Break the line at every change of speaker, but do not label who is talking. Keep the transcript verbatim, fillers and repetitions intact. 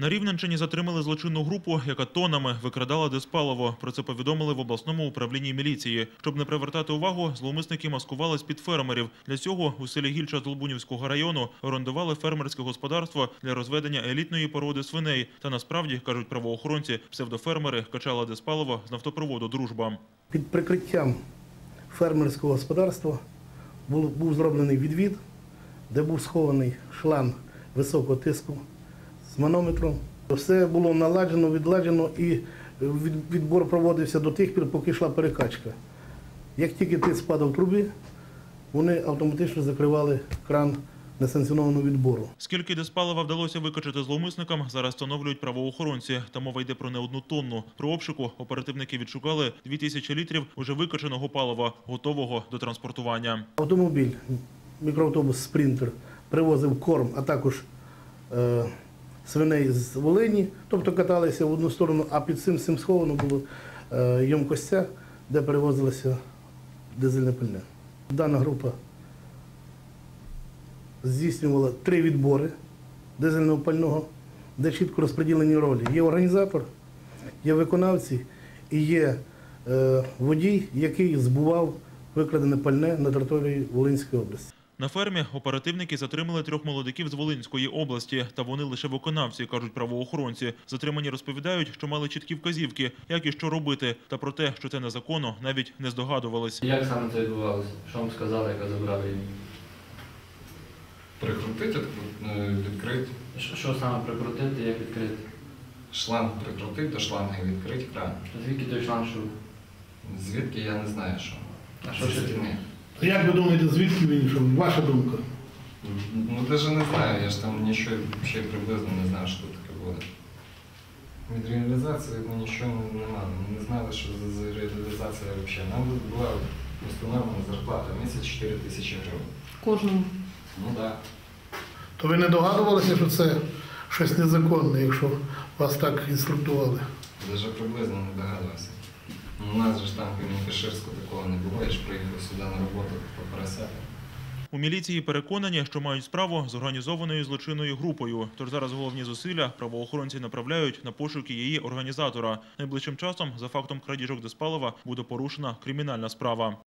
На Рівненщині затримали злочинну групу, яка тоннами викрадала дизпаливо. Про це повідомили в обласному управлінні міліції. Щоб не привертати увагу, зловмисники маскувались під фермерів. Для цього у селі Гільча Долбунівського району орендували фермерське господарство для розведення елітної породи свиней. Та насправді, кажуть правоохоронці, псевдофермери качали дизпаливо з нафтопроводу «Дружба».
Під прикриттям фермерського господарства був, був зроблений відвід, де був схований шланг високого тиску з манометром. Все було наладжено, відладжено і відбор проводився до тих пір, поки йшла перекачка. Як тільки тиск падав в трубі, вони автоматично закривали кран несанкціонованого відбору.
Скільки дизпалива вдалося викачати зловмисникам, зараз встановлюють правоохоронці. Та мова йде про не одну тонну. При обшуку оперативники відшукали дві тисячі літрів уже викачаного палива, готового до транспортування.
Автомобіль, мікроавтобус «Спринтер» привозив корм, а також е, свиней з Волині, тобто каталися в одну сторону, а під цим, цим сховано було е, ємкостя, де перевозилося дизельне пальне. Дана група здійснювала три відбори дизельного пального, де чітко розподілені ролі. Є організатор, є виконавці і є е, водій, який збував викрадене пальне на території Волинської області.
На фермі оперативники затримали трьох молодиків з Волинської області. Та вони лише виконавці, кажуть правоохоронці. Затримані розповідають, що мали чіткі вказівки, як і що робити. Та про те, що це незаконно, навіть не здогадувались.
Як саме це відбувалося? Що вам сказали, яка забрали її?
Прикрутити, відкрити.
Що, що саме прикрутити, як відкрити?
Шланг прикрутити до шланга і відкрити кран.
Звідки той шланг шов?
Звідки, я не знаю, що.
А що ще?
Як ви думаєте, звідки він йшов? Ваша думка?
Ну, навіть не знаю, я ж там нічого ще приблизно не знаю, що тут таке буде. Від реалізації ну, нічого немає. Ми не знали, що за реалізація взагалі. Нам була установлена зарплата місяць чотири тисячі гривень.
Кожному?
Ну так. Да.
То ви не догадувалися, що це щось незаконне, якщо вас так інструктували?
Навіть приблизно не догадувався. У нас же ж там в Каширську такого не було, я ж приїхав сюди на роботу по поросятам.
У міліції переконані, що мають справу з організованою злочинною групою. Тож зараз головні зусилля правоохоронці направляють на пошуки її організатора. Найближчим часом за фактом крадіжок дизпалива буде порушена кримінальна справа.